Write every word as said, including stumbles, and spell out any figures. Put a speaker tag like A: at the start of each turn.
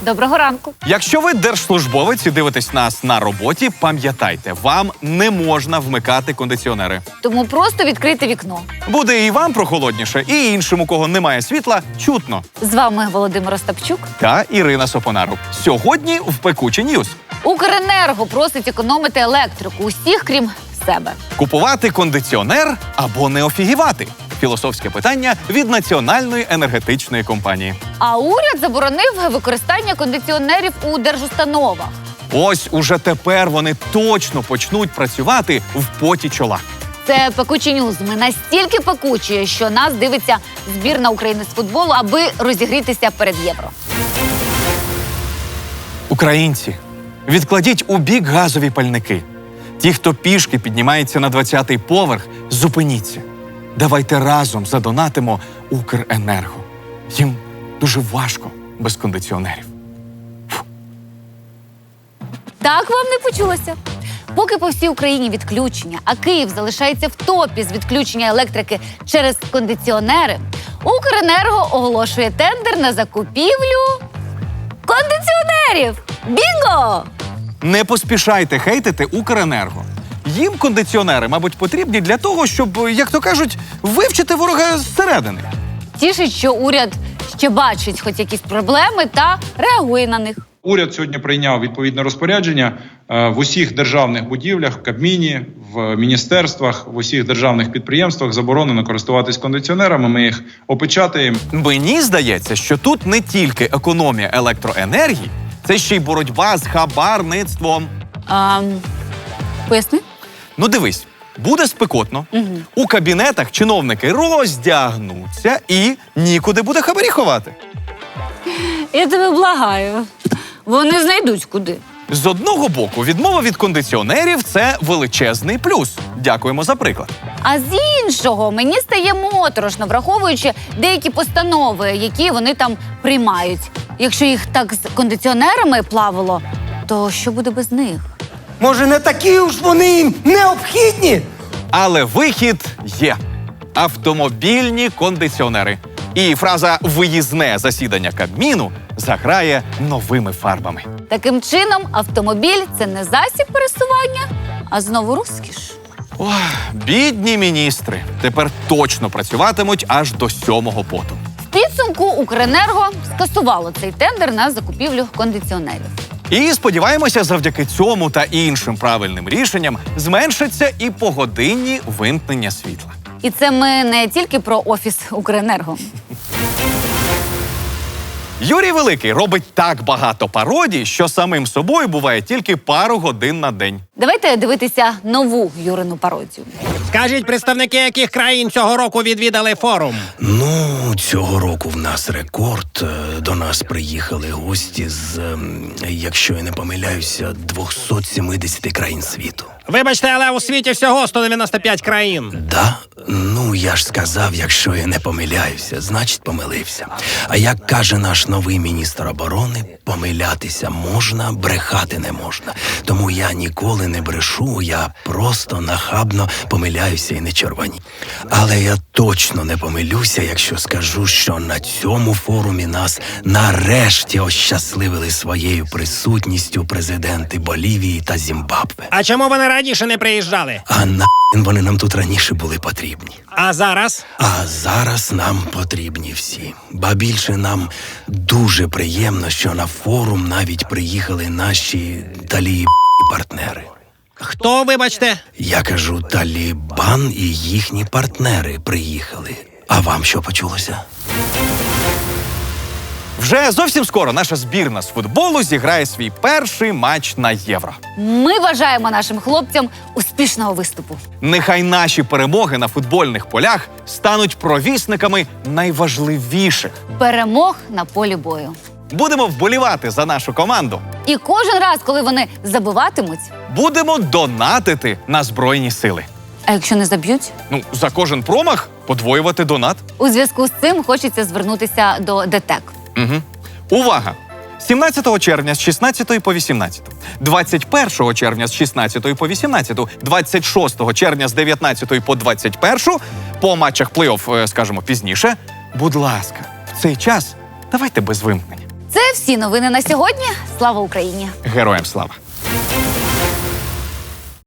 A: Доброго ранку.
B: Якщо ви держслужбовець і дивитесь нас на роботі, пам'ятайте, вам не можна вмикати кондиціонери.
A: Тому просто відкрийте вікно.
B: Буде і вам прохолодніше, і іншим, у кого немає світла, чутно.
A: З вами Володимир Остапчук.
B: Та Ірина Сопонару. Сьогодні в Пекучі Ньюс.
A: Укренерго просить економити електрику усіх, крім себе.
B: Купувати кондиціонер або не офігівати? Філософське питання від Національної енергетичної компанії.
A: А уряд заборонив використання кондиціонерів у держустановах.
B: Ось уже тепер вони точно почнуть працювати в поті чола.
A: Це Пекучі Ньюз. Ми настільки пекучі, що нас дивиться збірна України з футболу, аби розігрітися перед Євро.
B: Українці, відкладіть у бік газові пальники. Ті, хто пішки піднімається на двадцятий поверх, зупиніться. Давайте разом задонатимо Укренерго. Їм дуже важко без кондиціонерів. Фу.
A: Так вам не почулося. Поки по всій Україні відключення, а Київ залишається в топі з відключення електрики через кондиціонери, Укренерго оголошує тендер на закупівлю кондиціонерів. Бінго!
B: Не поспішайте хейтити Укренерго. Їм кондиціонери, мабуть, потрібні для того, щоб, як то кажуть, вивчити ворога зсередини.
A: Тішить, що уряд ще бачить хоч якісь проблеми та реагує на них.
C: Уряд сьогодні прийняв відповідне розпорядження в усіх державних будівлях, в Кабміні, в міністерствах, в усіх державних підприємствах заборонено користуватись кондиціонерами, ми їх опечатаємо.
B: Мені здається, що тут не тільки економія електроенергії, це ще й боротьба з хабарництвом.
A: А, поясни?
B: Ну дивись, буде спекотно,
A: Угу.
B: у кабінетах чиновники роздягнуться і нікуди буде хабарі ховати.
A: Я тебе благаю. Вони знайдуть куди.
B: З одного боку, відмова від кондиціонерів – це величезний плюс. Дякуємо за приклад.
A: А з іншого, мені стає моторошно, враховуючи деякі постанови, які вони там приймають. Якщо їх так з кондиціонерами плавало, то що буде без них?
D: Може, не такі уж вони їм необхідні?
B: Але вихід є. Автомобільні кондиціонери. І фраза «виїзне засідання Кабміну» заграє новими фарбами.
A: Таким чином, автомобіль – це не засіб пересування, а знову розкіш.
B: Ох, бідні міністри. Тепер точно працюватимуть аж до сьомого поту.
A: В підсумку Укренерго скасувало цей тендер на закупівлю кондиціонерів.
B: І сподіваємося, завдяки цьому та іншим правильним рішенням зменшаться і погодинні вимкнення світла.
A: І це ми не тільки про офіс Укренерго.
B: Юрій Великий робить так багато пародій, що самим собою буває тільки пару годин на день.
A: Давайте дивитися нову Юрину пародію.
E: Скажіть, представники яких країн цього року відвідали форум?
F: Ну, цього року в нас рекорд. Е, До нас приїхали гості з, ем, якщо я не помиляюся, двісті сімдесят країн світу.
E: Вибачте, але у світі всього сто дев'яносто п'ять країн.
F: Да? Ну, я ж сказав, якщо я не помиляюся, значить помилився. А як каже наш новий міністр оборони, помилятися можна, брехати не можна. Тому я ніколи не брешу, я просто нахабно помиляюся і не червоні. Але я точно не помилюся, якщо скажу, що на цьому форумі нас нарешті ощасливили своєю присутністю президенти Болівії та Зімбабве.
E: А чому вони раніше не приїжджали?
F: А на вони нам тут раніше були потрібні.
E: А зараз?
F: А зараз нам потрібні всі. Ба більше нам дуже приємно, що на форум навіть приїхали наші таліб-партнери.
E: Хто, вибачте?
F: Я кажу, Талібан і їхні партнери приїхали. А вам що почулося?
B: Вже зовсім скоро наша збірна з футболу зіграє свій перший матч на Євро.
A: Ми бажаємо нашим хлопцям успішного виступу.
B: Нехай наші перемоги на футбольних полях стануть провісниками найважливіших.
A: Перемог на полі бою.
B: Будемо вболівати за нашу команду.
A: І кожен раз, коли вони забиватимуть,
B: Будемо донатити на Збройні сили.
A: а якщо не заб'ють?
B: Ну, за кожен промах подвоювати донат.
A: У зв'язку з цим хочеться звернутися до ДТЕК.
B: Угу. Увага! сімнадцятого червня з шістнадцятої по вісімнадцяту, двадцять першого червня з шістнадцятої по вісімнадцяту, двадцять шостого червня з дев'ятнадцятої по двадцять першу, по матчах плей-офф, скажімо, пізніше. Будь ласка, в цей час давайте без вимкнення.
A: Це всі новини на сьогодні. Слава Україні!
B: Героям слава!